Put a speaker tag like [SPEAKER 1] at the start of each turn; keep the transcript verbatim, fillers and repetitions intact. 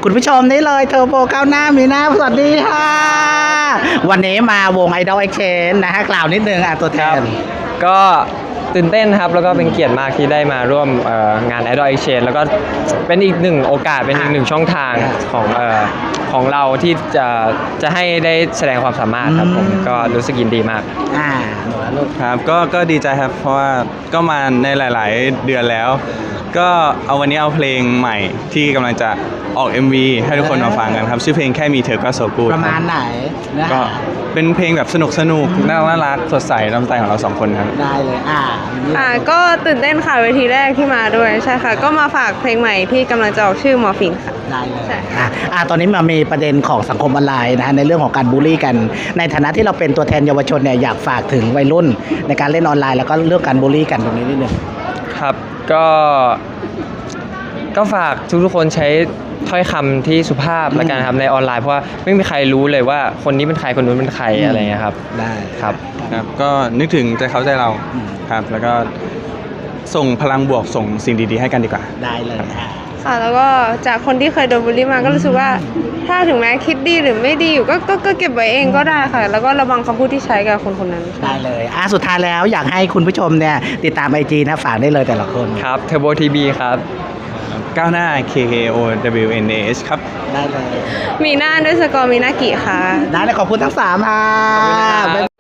[SPEAKER 1] คุณผู้ชมนี่เลยเทอร์โบก้าวหน้ามีหน้าสวัสดีค่ะวันนี้มาวง Idol Exchange นะฮะกล่าวนิดนึงอ่ะตัวแทน
[SPEAKER 2] ก็ตื่นเต้นครับแล้วก็เป็นเกียรติมากที่ได้มาร่วมงาน Idol Exchange แล้วก็เป็นอีกหนึ่งโอกาสเป็นอีกหนึ่งช่องทางของของเราที่จะจะให้ได้แสดงความสามารถครับผมก็รู้สึกยินดีมาก
[SPEAKER 1] อ่า
[SPEAKER 3] ครับก็ก็ดีใจครับเพราะว่าก็มาในหลาย ๆ เดือนแล้วก็เอาวันนี้เอาเพลงใหม่ที่กำลังจะออก เอ็ม วี ให้ทุกคนมาฟังกันครับชื่อเพลงแค่มีเธอก็โซกู
[SPEAKER 1] ประมาณไหนนะ
[SPEAKER 3] ก็เป็นเพลงแบบสนุกสนุกน่ารักน่ารักสดใสน้ำใจของเราสองคนครับ
[SPEAKER 1] ได้เลยอ่า
[SPEAKER 4] อ่าก็ตื่นเต้นค่ะเวทีแรกที่มาด้วยใช่ค่ะก็มาฝากเพลงใหม่ที่กำลังจะออกชื่อมอร์ฟินค่ะ
[SPEAKER 1] ได้เลยอ่าอ่าตอนนี้มามีประเด็นของสังคมออนไลน์นะฮะในเรื่องของการบูลลี่กันในฐานะที่เราเป็นตัวแทนเยาวชนเนี่ยอยากฝากถึงวัยรุ่นในการเล่นออนไลน์แล้วก็เรื่องการบูลลี่กันตรงนี้นิดนึง
[SPEAKER 2] ครับก็ก็ฝากทุกๆคนใช้ถ้อยคำที่สุภาพและกันครับในออนไลน์เพราะว่าไม่มีใครรู้เลยว่าคนนี้เป็นใครคนนู้นเป็นใครอะไรเงี้ยครับ
[SPEAKER 1] ได้
[SPEAKER 2] ครับ
[SPEAKER 3] ครับก็นึกถึงใจเขาใจเราครับแล้วก็ส่งพลังบวกส่งสิ่งดีๆให้กันดีกว่า
[SPEAKER 1] ได้เลย
[SPEAKER 4] ค่ะแล้วก็จากคนที่เคยโดนบูลลี่มาก็รู้สึกว่าถ้าถึงแม้คิดดีหรือไม่ดีอยู่ก็ก็ก็เก็บไว้เองก็ได้ค่ะแล้วก็ระวังคำพูดที่ใช้กับคนคนนั้น
[SPEAKER 1] ได้เลยอ่ะสุดท้ายแล้วอยากให้คุณผู้ชมเนี่ยติดตาม ไอ จี นะฝากได้เลยแต่ละคน
[SPEAKER 2] ครับ Turbo ที บี ครับ
[SPEAKER 3] ก้าวหน้า เค เค โอ ดับเบิลยู เอ็น เอ เอช ครับ
[SPEAKER 1] ได้เลย
[SPEAKER 4] มีหน้าด้วยสกอร์มีหน้ากี่ค่ะ
[SPEAKER 1] ได้เลยขอบคุณทั้งสามค่ะ